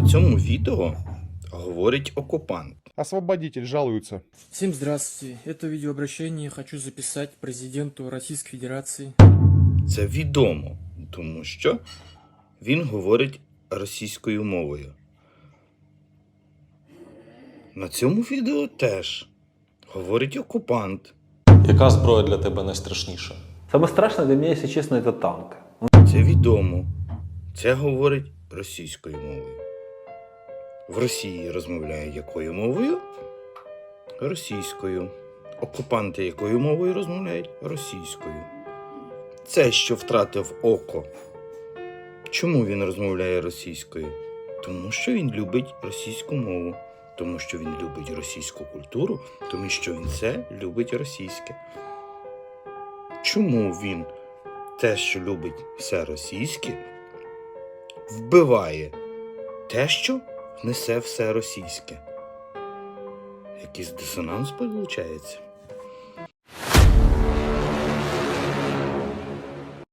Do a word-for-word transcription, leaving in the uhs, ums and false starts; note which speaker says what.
Speaker 1: цьому відео говорить окупант.
Speaker 2: Освободитель жалуется.
Speaker 3: Всем здравствуйте. Это видеообращение хочу записать президенту Российской Федерации.
Speaker 1: Це відомо, тому що він говорить російською мовою. На цьому відео теж говорить окупант.
Speaker 4: Яка зброя для тебе найстрашніша?
Speaker 5: Самое страшное для меня, если честно, это танк.
Speaker 1: Це відомо. Це говорить російською мовою. В Росії розмовляють якою мовою? Російською. Окупанти якою мовою розмовляють? Російською. Це, що втратив око. Чому він розмовляє російською? Тому що він любить російську мову. Тому що він любить російську культуру. Тому що він все любить російське. Чому він те, що любить все російське, вбиває те, що несе все російське? Якийсь дисонанс виходить?